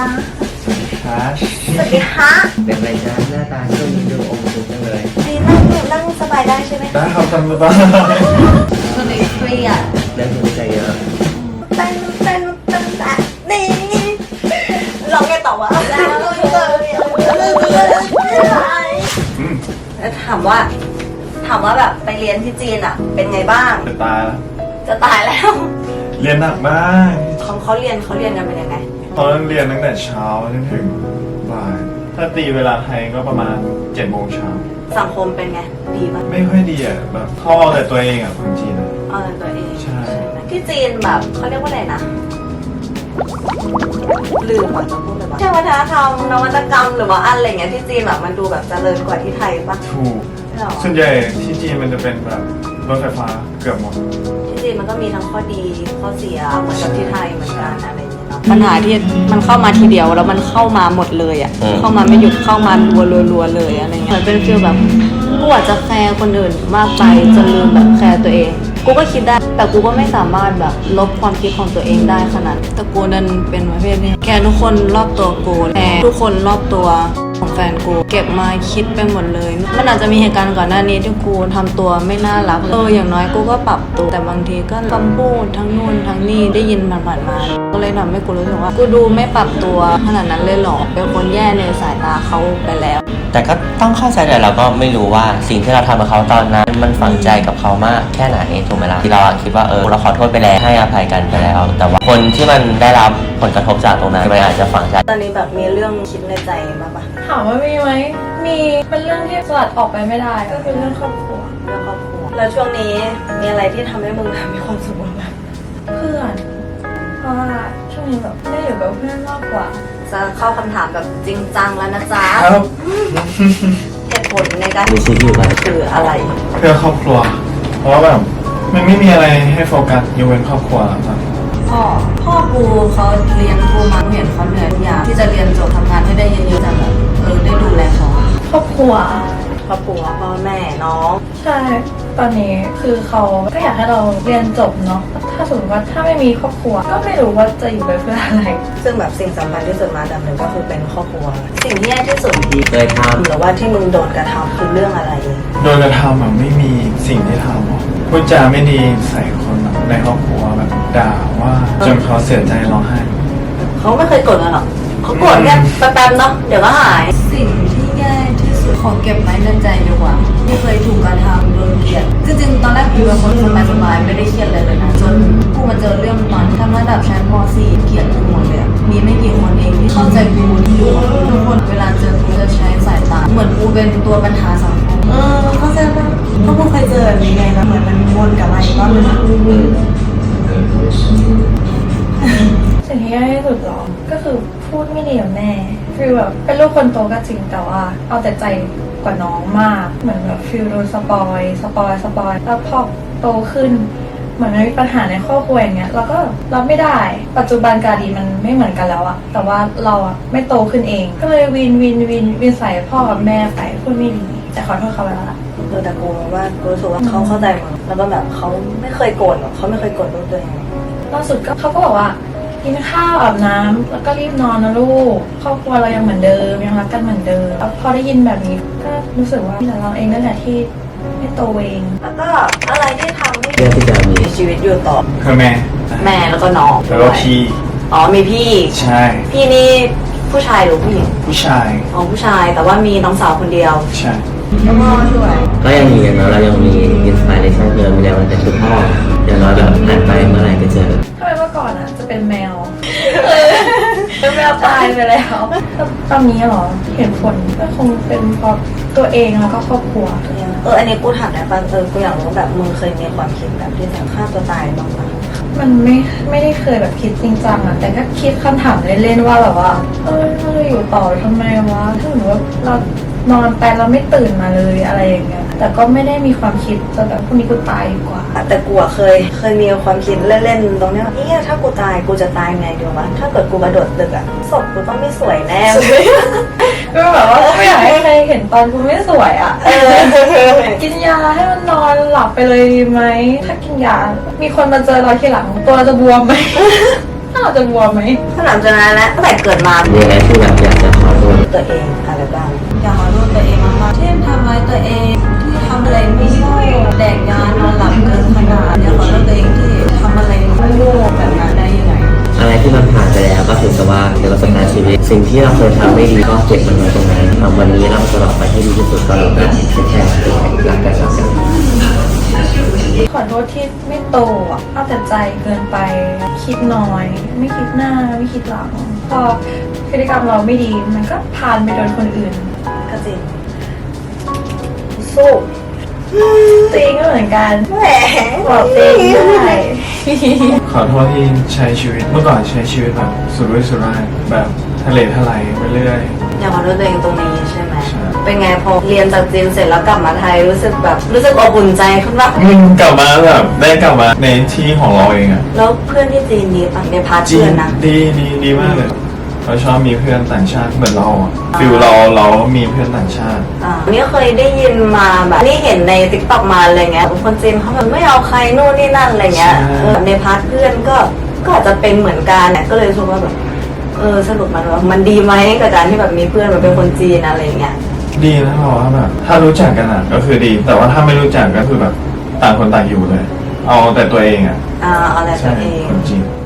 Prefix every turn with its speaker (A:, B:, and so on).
A: จ้า
B: ครับ
A: สวัสดีค่ะ
C: เป็นไรจ้าหน้าตาช่วงนี้ดูอมทุกข์จังเลย
A: นี่นั่งสบายได้ใช่ไหม
B: ได้ครับทำได้
A: ก็เลยเครียด
C: เรื่องหัวใจเยอะ
A: เต้นนี่ร้องไงต่อวะแล้วถามว่าแบบไปเรียนที่จีนอ่ะ เป็นไงบ้าง
B: จะตายแล้ว
A: จะตายแล้ว
B: เรียนหนักมาก
A: เขาเรียนกันเป็นยังไง
B: ตอนนั้นเรียนตั้งแต่เช้าจนถึงบ่ายถ้าตีเวลาไทยก็ประมาณ7 โมงเช้า
A: สังคมเป็นไงดีปะ
B: ไม่ค่อยดีอ่ะแบบเขาเอาแต่ตัวเองอ่ะคนจีนอะ
A: เอาแต่ตัวเอง
B: ใช่
A: ไหมที่จีนแบบเขาเรียกว่าอะไรนะลืมอ่ะจะพูดอะไรบ้างใช่วัฒนธรรมนวัตกรรมหรือว่าอะไรเงี้ยที่จีนแบบมันดูแบบเจริญกว่าที่ไทยปะ
B: ถูก
A: หรอ
B: ส่วนใหญ่ที่จีนมันจะเป็นแบบรถไฟฟ้าเกือบหมด
A: ที่จีนมันก็มีทั้งข้อดีข้อเสียเหมือนกับที่ไทยเหมือนกันอะไรอย่างเงี้ยเนาะปัญหาที่มันเข้ามาทีเดียวแล้วมันเข้ามาหมดเลยอ่ะเข้ามาไม่หยุดเข้ามารัวๆเลยอะไรเงี้ยเหมือนเป็นฟีลแบบกูอาจจะแคร์คนอื่นมากไปจนลืมแบบแคร์ตัวเองกูก็คิดได้แต่กูก็ไม่สามารถแบบลบความคิดของตัวเองได้ขนาดแต่กูนั้นเป็นประเภทนี้แคร์ทุกคนรอบตัวกูแคร์ทุกคนรอบตัวของแฟนกูเก็บมาคิดไปหมดเลยมันอาจจะมีเหตุการณ์ก่อนหน้านี้ที่กูทำตัวไม่น่ารักเลยอย่างน้อยกูก็ปรับตัวแต่บางทีก็คำพูดทั้งนู่นทั้งนี่ได้ยินผ่านๆมาก็เลยทำให้กูรู้สึกว่ากูดูไม่ปรับตัวขนาดนั้นเลยหรอเป็นคนแย่ในสายตาเขาไปแล้ว
C: แต่ก็ต้องเข้าใจแต่เราก็ไม่รู้ว่าสิ่งที่เราทำกับเขาตอนนั้นมันฝังใจกับเขามากแค่ไหนถูกไหมล่ะที่เราคิดว่าเราขอโทษไปแล้วให้อภัยกันไปแล้ว แต่ว่าคนที่มันได้รับผลกระทบจากตรงนั้นมันอาจจะฝังใจ
A: ตอนนี้แบบมีเรื่องคิดในใจบ้างปะ
D: ถามว่ามีไหม มีเป็นเรื่องที่สลัดออกไปไม่ได้ ก็คือเรื่องครอบครัว
A: เรื่องครอบครัวแล้วช่วงนี้มีอะไรที่ทำให้มึงแบบมีความสุขบ้างไหม
D: เพื่อน เพราะว่าช่วงนี้แบบได้อยู่กับเพื่อนมากกว่า
A: จะเข้าคำถามแบบจริงจังแล้วนะจ๊ะ
B: ครับ
A: เหตุผลในการ
C: มีชีวิตอยู่กัน
A: คืออะไร
B: เพื่อครอบครัว เพราะว่าแบบมันไม่มีอะไรให้โฟกัสยกเว้นครอบครัวแล้วครับ
A: พ่อกูเขาเลี้ยงกูมาเห็นเขาเหนื่อยทุกอย่างที่จะเรียนจบทำงานให้ได้เยอะๆแต่แบบได้ดูแลเขา
D: ครอบครัว
A: ครอบครัวพ่อแม่น้อง
D: ใช่ ตอนนี้คือเขาก็อยากให้เราเรียนจบเนาะ ถ้าสมมติว่าถ้าไม่มีครอบครัว ก็ไม่รู้ว่าจะอยู่ไปเพื่ออะไร
A: ซึ่งแบบสิ่งสำคัญที่สุดมาดับหนึ่งก็คือเป็นครอบครัว สิ่งที่แย่ที่สุด
C: ที่เคยท
A: หรือว่าที่มึงโดนกระทำคือเรื่องอะไร
B: โดยกระทำแบบไม่มีสิ่งที่ทำหรอกพูดจาไม่ดีใส่คนแบบในครอบครัวแบบด่าว่าจนเขาเสียใจร้องไห้
A: เขาไม่เคยโกรธกันหรอกเขาโกรธแค่แป๊บๆเนาะเดี๋ยวก็หายสิ่งที่แย่ที่สุดขอเก็บไว้ในใจดีกว่าที่เคยถูกกระทำโดนเกลียดจริงๆตอนแรกกูเป็นคนสบายๆไม่ได้เครียดเลยนะจนกูมาเจอเรื่องตอนที่ทำระดับชั้นม .4 เกลียดกูหมดเลยมีไม่กี่คนเองที่เข้าใจกูอยู่ทุกคนเวลาเจอกูจะใช้สายตาเหมือนกูเป็นตัวปัญหาสังคมเข้าใจปะเพราะกูเคยเจอแบบนี้ไงแล้วเหมือนมันวนกลับมาอีกรอบนึง
D: สิ่งที่แย่ที่สุดหรอ ก็คือพูดไม่ดีกับแม่ฟีลแบบเป็นลูกคนโตก็จริงแต่ว่าเอาแต่ใจกว่าน้องมาก เหมือนแบบฟีลโดนสปอยแล้วพอโตขึ้น เหมือนมันมีปัญหาในครอบครัวอย่างเงี้ยเราก็รับไม่ได้ ปัจจุบันกาดีมันไม่เหมือนกันแล้วอะแต่ว่าเราอะไม่โตขึ้นเอง ก็เลยวินใส่พ่อกับแม่ไปพูดไม่ดีแต่ขอโทษเขาไปแล้วล่ะ
A: แต่กูว่ากูรู้สึกว่าเขาเข้าใจมึงแล้วก็แบบเขาไม่เคยโกรธหรอกเขาไม่เคยโกรธลูกตัวเอง
D: ล่าสุดก็เขาก็บอกว่ากินข้าวอาบน้ำแล้วก็รีบนอนนะลูกครอบครัวเรายังเหมือนเดิมยังรักกันเหมือนเดิมแล้วพอได้ยินแบบนี้ก็รู้สึกว่าแต่เราเองนั่นแหละที่ไม่โตเอง
A: แล้วก็อะไรที่ทำให้
C: ำเพื่อที่จะมี
A: มีชีวิตอยู่ต่อ
B: คือแม่
A: แม่แล้วก็น้อง
B: แล้วก็พี่
A: อ๋อมีพี่
B: ใช่
A: พี่นี่ผู้ชายหรือผู้หญิง
B: ผู้ชาย
A: อ๋อผู้ชายแต่ว่ามีน้องสาวคนเดียว
B: ใช่
A: แล้วก็ช่วย
C: ก็ยังมีอย่างน้อยเรายังมีอินสปิเรชันเดิมมีแรงบันดาลใจคือพ่ออย่างน้อยแบบผ่านไปเมื่อไหร่ก็เจอ
D: ทำไมเมื่อก่อนอ่ะจะเป็นแมวเป็นแมวตายไปแล้วตอนนี้เหรอเห็นผลก็คงเป็นเพราะตัวเองแล้วก็ครอบครัว
A: อันนี้กูถามได้ป่ะกูอยากรู้แบบมึงเคยมีความคิดแบบที่จะฆ่าตัวตายบ้างไหม
D: มันไม่ได้เคยแบบคิดจริงจังอะแต่ก็คิดคำถามเล่นๆว่าแบบว่าเราอยู่ต่อทำไมวะถ้าสมมติว่าเรานอนไปเราไม่ตื่นมาเลยอะไรอย่างเงี้ยแต่ก็ไม่ได้มีความคิดจะแบบพรุ่งนี้กูตายดีกว่า
A: แต่กูอะเคยมีความคิดเล่นๆตรงเนี้ยว่าเนี่ยถ้ากูตายกูจะตายไงดีวะถ้าเกิดกูกระโดดตึกอะศพกูต้องไม่สวยแน่เลย
D: ก็แบบว่าไม่อยากให้ใครเห็นตอนกูไม่สวยอะกินยาให้มันนอนหลับไปเลยดีไหมถ้ากินยามีคนมาเจอเราทีหลังตัวเราจะบวมไหมน่าจะบวมไหม
A: ขนาดจากนั้นแล้วตั้งแต่เกิดมา
C: มีอะไรที่แบบอยากจะขอโทษ
A: ตัวเองอะไรบ้างอยากขอโทษตัวเองมากๆที่ทำร้ายตัวเองที่ทำอะไรไม่โง่แดกยานอนหลับเกินขนาดอยากขอโทษตัวเองที่ทำอะไรโง่แบบนั้นได้ยังไง
C: อะไรที่มันผ่านไปแล้วก็ถือซะว่าเป็นประสบการณ์ชีวิต สิ่งที่เราเคยทำไม่ดีก็เก็บมันไว้ตรงนั้นทำวันนี้เราจะออกไปให้ดีที่สุดก็แล้วกันแค่รักกันรักกัน
D: ขอโทษที่ไม่โตอ่ะเอาแต่ใจเกินไป คิดน้อย ไม่คิดหน้าไม่คิดหลัง พอพฤติกรรมเราไม่ดีมันก็พานไปโดนคนอื่น
A: ก็จริง
D: สู้ตัวเองก็เหมือนกัน
A: แหม
D: บอกตัวเองได้
B: ขอโทษที่ใช้ชีวิตเมื่อก่อนใช้ชีวิตแบบสุรุ่ยสุร่ายแบบทะเลทลายไปเรื่อย
A: อยากขอโทษตัวเองตรงนี้ใช่ไหม
B: ใช่
A: เป็นไงพอเรียนจากจีนเสร็จแล้วกลับมาไทยรู้สึกอบอุ่นใจขึ้นปะ
B: กลับมาแบบได้กลับมาในที่ของเราเองอะ
A: แล้วเพื่อนที่จีนดีปะในพาร์ท
B: จริ
A: เพื่
B: ง
A: อนนะ
B: ดีมากเลยเราชอบมีเพื่อนต่างชาติเหมือนเราอะฟิลเรามีเพื่อนต่างชาติ
A: นี่เคยได้ยินมาแบบนี่เห็นในติ๊กต็อกมาอะไรเงี้ยคนจีนเขาแบบไม่เอาใครโน่นนี่นั่นอะไรเงี้ย
B: ใช่
A: ในพาร์ทเพื่อนก็อาจจะเป็นเหมือนกันเนี่ยก็เลยรู้สึกว่าแบบสรุปมันดีไหมกับการที่แบบมีเพื่อนแบบเป็นคนจีนอะไรเงี้ย
B: ดีนะเพราะว่าแบบถ้ารู้จักกันอะก็คือดี แต่ว่าถ้าไม่รู้จักก็คือแบบต่างคนต่างอยู่เลย เอาแต่ตัวเองอะ
A: เอาแต่ตั
B: ใช่
A: วเอง
B: คนจีน